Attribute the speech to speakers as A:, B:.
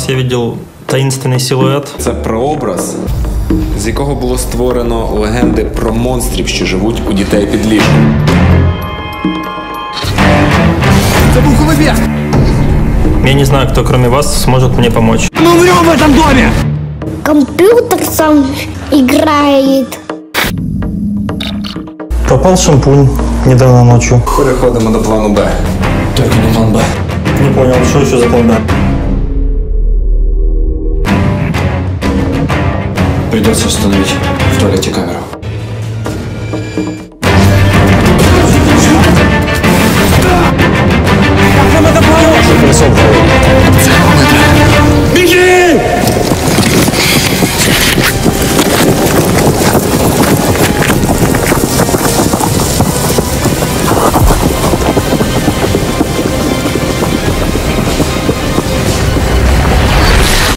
A: я видел таинственный силуэт.
B: Це прообраз, з якого було створено легенди про монстрів, що живуть у дітей під ліжком.
C: Це був Голубєв!
A: Я не знаю, кто кроме вас сможет мне помочь.
C: Мы умрем в этом доме!
D: Компьютер сам играет.
A: Пропал шампунь недавно ночью.
B: Переходимо до плану Б.
A: Только не план Б. Не понял, что еще за план Б?
E: Придется установить в туалете камеру.